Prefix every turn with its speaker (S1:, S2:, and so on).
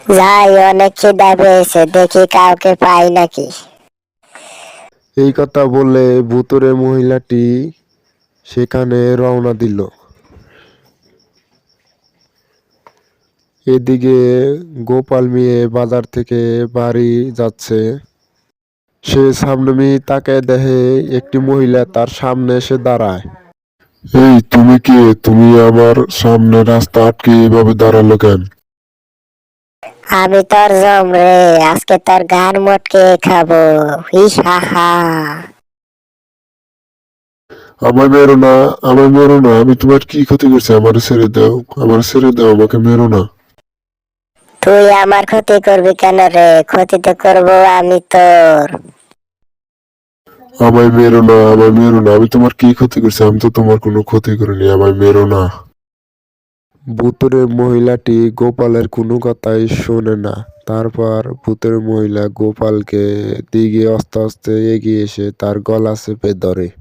S1: যাই, অনেক খিদা পেয়েছে, দেখি কাউকে পাই নাকি।
S2: এই কথা বলে ভুতুড়ে মহিলাটি সেখানে রওনা দিল। এদিকে গোপাল মিয়া বাজার থেকে বাড়ি যাচ্ছে। সে সামনে তাকায় দেখে একটি মহিলা তার সামনে এসে দাঁড়ায়। এই তুমি কে? তুমি আমার সামনে রাস্তা আটকে এভাবে দাঁড়ালো কেন?
S1: আমি তোর জম রে, আজকে তোর গান মটকে খাবো। হিস হা হা।
S2: আমায় মেরো না, আমায় মেরো না, আমি তোমার কি ক্ষতি করছি? আমার ছেড়ে দাও, আমার ছেড়ে দাও, আমাকে মেরো না।
S1: তুই আমার ক্ষতি করবি কেন রে? ক্ষতি তো করবো আমি তোর।
S2: আমায় মেরো না, আমায় মেরো না, আমি তোমার কি ক্ষতি করছি? আমি তো তোমার কোনো ক্ষতি করিনি, আমায় মেরো না। ভূতুরে মহিলাটি গোপালের কোনো কথাই শোনে না। তারপর ভূতের মহিলা গোপালকে দিকে আস্তে আস্তে এগিয়ে এসে তার গলা চেপে ধরে।